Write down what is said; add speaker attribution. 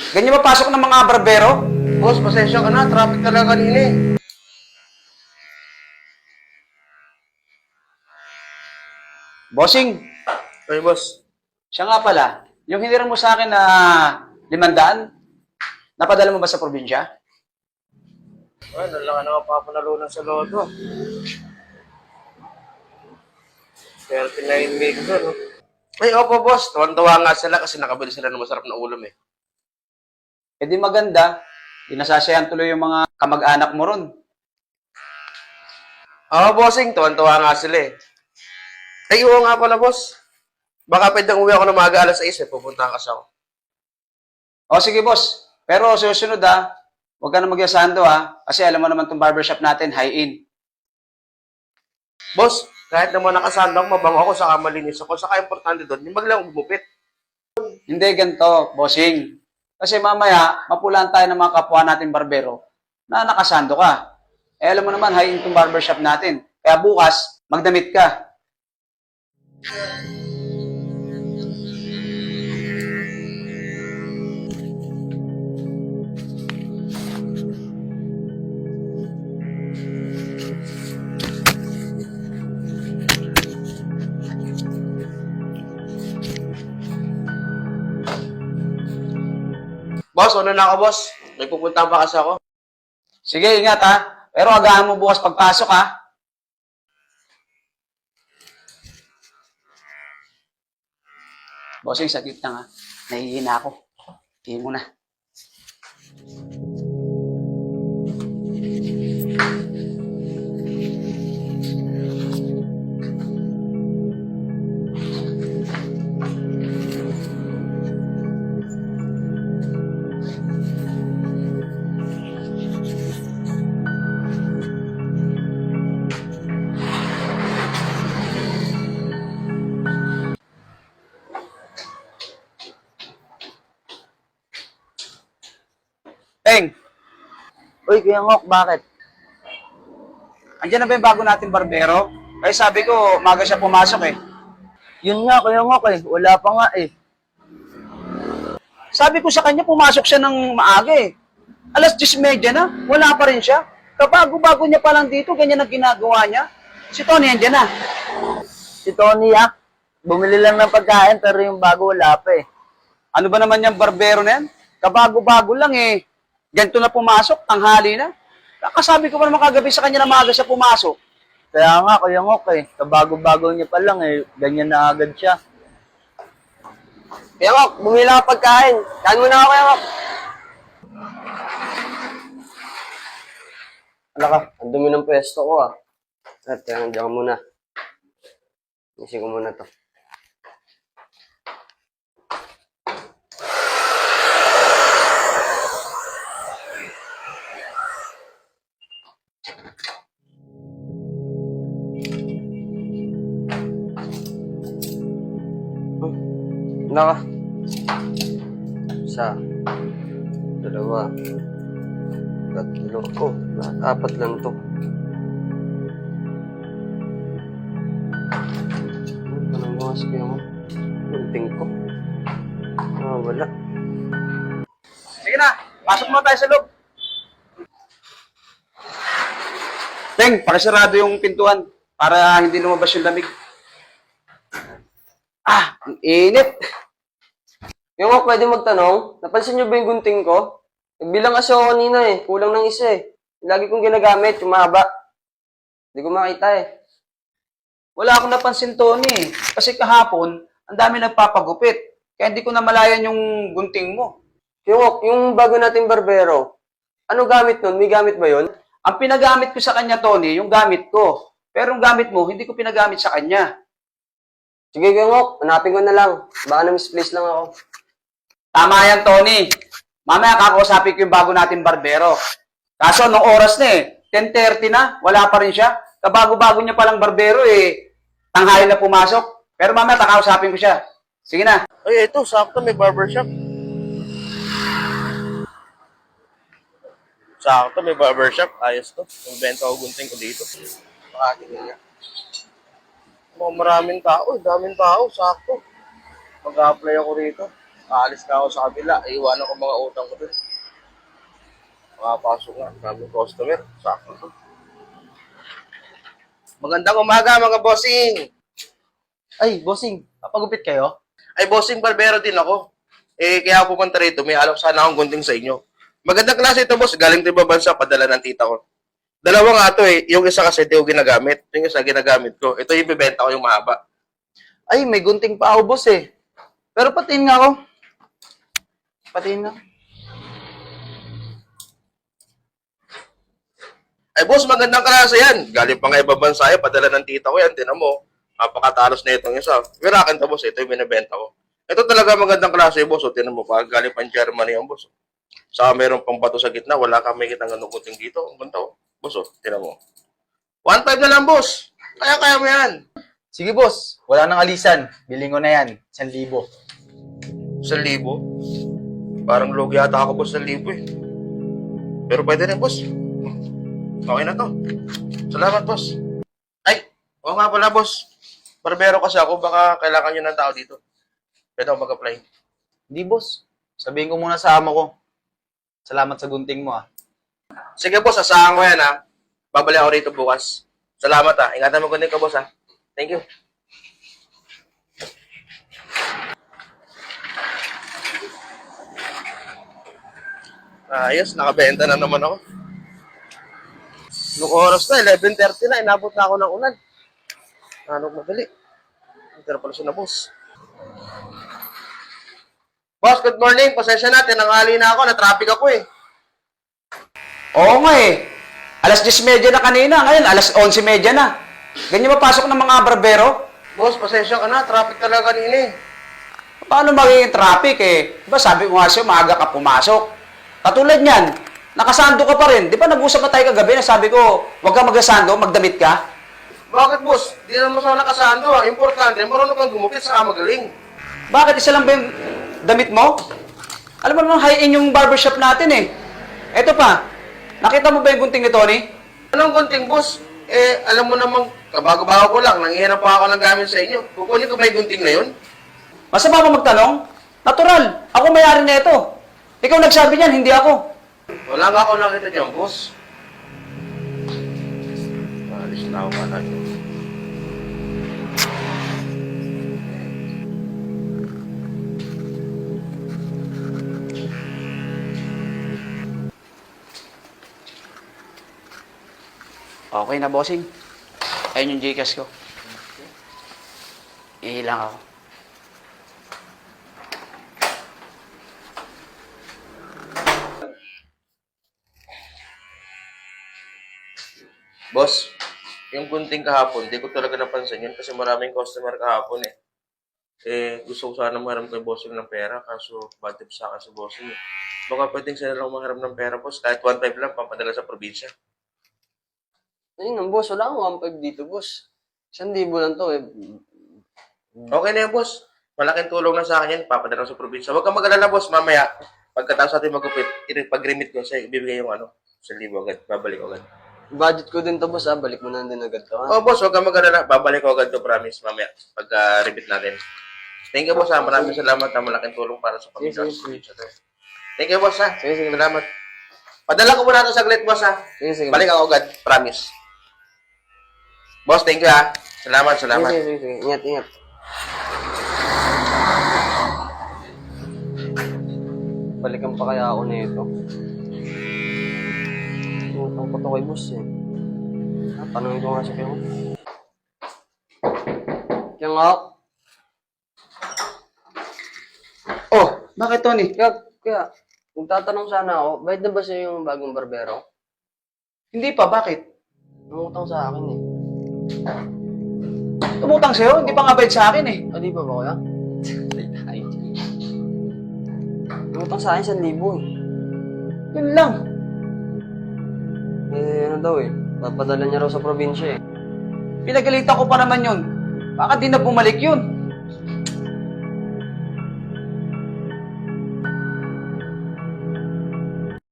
Speaker 1: Ganyan mapasok ng mga barbero?
Speaker 2: Boss, pasensya ka na. Traffic talaga kanina eh.
Speaker 1: Bossing,
Speaker 2: Ay, boss.
Speaker 1: siya nga pala, yung hiniram mo sa akin na 500, napadala mo ba sa probinsya?
Speaker 2: Ay, nalaka na mapapanalunan sa loto. 39 million doon, no? Ay, opo, boss. Tuwan-tuwa nga sila kasi nakabili sila ng masarap na ulam eh.
Speaker 1: E di maganda, dinasasayan tuloy yung mga kamag-anak mo ron.
Speaker 2: Oo, bossing. Tuwan-tuwa nga sila eh. Ay, oo nga pala, boss. Baka pwedeng uwi ako ng maaga alas 6 eh. Pupuntahan kasi ako.
Speaker 1: O sige boss, pero susunod huwag ka na magyasando kasi alam mo naman tong barbershop natin, high-in.
Speaker 2: Boss, kahit naman nakasandang mabango ako, saka malinis ako, saka importante doon, yung maglang gumupit.
Speaker 1: Hindi ganito, bossing. Kasi mamaya, mapulaan tayo ng mga kapwa natin barbero na nakasando ka. Eh alam mo naman, high-in tong barbershop natin. Kaya bukas, magdamit ka.
Speaker 2: Boss, ano na ako, boss? May pupuntahan pa kasi ako.
Speaker 1: Sige, ingat Pero agahan mo bukas pagpasok Bossing, saglit lang Nahihina ako. Tingin mo na. Teng,
Speaker 3: Uy, Kuya Ngok, bakit?
Speaker 1: andyan na ba yung bago natin barbero? Kaya sabi ko, maga siya pumasok
Speaker 3: Yun nga, Kuya Ngok wala pa nga eh.
Speaker 1: Sabi ko sa kanya, pumasok siya ng maaga Alas 10:30 na, wala pa rin siya. Kabago-bago niya pa lang dito, ganyan ang ginagawa niya. Si Tony, andyan na.
Speaker 3: Si Tony bumili lang ng pagkain pero yung bago wala pa eh.
Speaker 1: Ano ba naman yung barbero na yan? Kabago-bago lang Ganito na pumasok, tanghali na. Kakasabi ko pa naman kagabi sa kanya na maaga siya pumasok.
Speaker 3: Kaya nga, Kuya Ngok kabago-bago niya pa lang ganyan na agad siya.
Speaker 2: Kaya Ngok, bumili lang ako pagkain. Kain mo na ako, Kaya Ngok. Ala ka, ang dumi ng pwesto ko At kaya nandiyan ka muna. Isin ko muna to. Ala ka. Isa. Dalawa. Tatlo. Oh, apat lang to. Anong bukas kaya mo? Lunting ko. Wala.
Speaker 1: Sige na, pasok mo tayo sa loob. Teng, pakisarado yung pintuan para hindi lumabas yung lamig. Ang init.
Speaker 2: Yung ako pwede magtanong, napansin niyo ba yung gunting ko? Nagbilang kasi ako kanina kulang ng isa Lagi kong ginagamit, yung mahaba. Hindi ko makita
Speaker 1: Wala akong napansin, Tony. Kasi kahapon, ang dami nagpapagupit. Kaya hindi ko na malayan yung gunting mo.
Speaker 2: Yung bago nating barbero, ano gamit nun? May gamit ba yun?
Speaker 1: Ang pinagamit ko sa kanya, Tony, yung gamit ko. Pero yung gamit mo, hindi ko pinagamit sa kanya.
Speaker 2: Sige, Gengok, hanapin ko na lang. Baka na-misplace lang ako.
Speaker 1: Tama yan, Tony. Mamaya kakausapin ko yung bago natin barbero. Kaso, nung oras na 10:30 na, wala pa rin siya. Kabago-bago niya palang barbero tanghali na pumasok. Pero mamaya kakausapin ko siya. Sige na.
Speaker 2: Ay, ito, sakto, may barbershop. Sakto, may barbershop. Ayos to. Yung benta ko gunting ko dito. Makatingin nga. Maraming tao, daming tao, sakto. Mag-a-apply ako rito.
Speaker 4: Aalis na ako sa kabila. Iiwanan ko mga utang ko dun. Makapasok nga. Daming customer. Sakto to. Magandang umaga mga bossing.
Speaker 5: Ay, bossing, papagupit kayo?
Speaker 4: Ay bossing, barbero din ako. Kaya ako pumunta rito. May alok sana akong gunting sa inyo. Magandang klase ito boss. Galing din ba bansa? Padala ng tita ko. Dalawa nga ito eh. Yung isa kasi ito yung ginagamit. Yung isa ginagamit ko. Ito yung bibenta ko yung mahaba.
Speaker 5: Ay, may gunting pa ako, boss eh. Pero patiin nga ako. Patiin nga.
Speaker 4: Ay boss, magandang klase yan. Galing pa nga ibang bansa yan. Padala ng tita ko yan. Tinan mo. Napakatalos na itong isa. Pero akin to boss. Ito yung binibenta ko. Ito talaga magandang klase boss. O, tinan mo. Pag galing pa Germany yung boss. Saka meron pang bato sa gitna. Wala kang may kitang ganung kuting dito. Ang ganda oh. Boss oh. Tinan mo. 1.5 na lang boss. Kaya mo yan.
Speaker 5: Sige, boss. Wala nang alisan. Biling ko na yan. 1,000.
Speaker 4: 1,000? Parang logi yata ako boss 1,000 eh. Pero pwede rin boss. Okay na to. Salamat boss. Ay, oo nga pala boss. Barbero kasi ako, baka kailangan nyo ng tao dito. Pwede ako mag-apply.
Speaker 5: Hindi, boss. Sabihin ko muna sa amo ko. Salamat sa gunting mo, ah.
Speaker 4: Sige boss, asahan ko yan ha. Babalik ako rito bukas. Salamat ha. Ingatan mo kunin ka boss ha. Thank you. Ayos, nakabenta na naman ako. Nung oras na, 11:30 na, inabot na ako ng ulan. Ano madali? Pero pala siya na, boss. Boss, good morning. Pasensya na, tinanghali na ako. Na-traffic ako eh.
Speaker 1: Oo nga eh. Alas 10:30 na kanina, ngayon alas 11:30 na. Ganyan mapasok ng mga barbero?
Speaker 4: Boss, pasensya ka na. Traffic talaga kanina eh.
Speaker 1: Paano magiging traffic eh? Diba sabi ko nga sa'yo, maaga ka pumasok. Katulad niyan, nakasando ka pa rin. Di ba nag-usap na tayo kagabi na sabi ko, huwag ka magasando, magdamit ka?
Speaker 4: Bakit, boss? Di naman sa nakasando ah. Importante, marunong kang gumupit saka magaling.
Speaker 1: Bakit isa lang ba yung damit mo? Alam mo naman, high-end yung barbershop natin eh. Eto pa, nakita mo ba yung gunting ni Tony?
Speaker 4: Anong gunting, boss? Alam mo namang, kabago-bago ko lang, nangihinap pa ako ng gamit sa inyo. Kukunin ko ba yung gunting na yun?
Speaker 1: Masama ba magtanong? Natural, ako may-ari na ito. Ikaw nagsabi niyan, hindi ako.
Speaker 4: Wala nga ako nakita dyan, boss. Alis na ako ka
Speaker 1: Okay na, bossing. Ayun yung Gcash ko. Ihilang ako.
Speaker 4: Boss, yung gunting kahapon, di ko talaga napansin yun kasi maraming customer kahapon eh. Gusto ko sana maharam kay bossing ng pera kaso bad tip sa akin si bossing eh. Baka pwedeng sila lang maharam ng pera, boss. Kahit 1.5 lang, pampadala sa probinsya.
Speaker 2: Ayun, boss. Wala akong 1.5 dito, boss. 1,000 lang to eh.
Speaker 4: Okay na yan, boss. Malaking tulong na sa akin yan. Papadala ko sa probinsya. Huwag kang mag-alala, boss. Mamaya, pagkatapos natin magupit, pag-remit ko sa'yo, ibibigay yung 1,000 agad. Babalik agad.
Speaker 2: Budget ko din to, boss, ah. Balik mo na din agad to, ha?
Speaker 4: Oh, boss, huwag kang mag-alala. Babalik ko agad to, promise. Mamaya, pagka-remit natin. Thank you, boss, ha. Maraming salamat, ha. Malaking tulong para sa pamilya.
Speaker 2: Sige, sige.
Speaker 4: Thank you, boss, ha.
Speaker 2: Sige, sige.
Speaker 4: Salamat. Padala ko muna ito saglit, boss, ha.
Speaker 2: Sige, sige.
Speaker 4: Balik ako agad. Promise. Boss, thank you, ha. Salamat, salamat.
Speaker 2: Sige, sige, sige. Ingat, ingat. Balikan pa kaya ako nito. Utang ko to kay boss eh. Tanungin ko nga siya kayo. Kaya nga,
Speaker 1: Oh, bakit Tony?
Speaker 2: kaya, kung tatanong sana ako, bayad na ba siya yung bagong barbero?
Speaker 1: Hindi pa, bakit?
Speaker 2: Nangutang sa akin eh.
Speaker 1: Tumutang sa'yo, hindi pa nga bayad sa akin eh.
Speaker 2: Ah, di ba ba kuya? Nangutang sa akin 1,000 eh.
Speaker 1: Yun lang.
Speaker 2: Ano daw eh, papadala niya raw sa probinsya eh.
Speaker 1: Pinagalitan ko pa naman yun. Baka di na bumalik yun.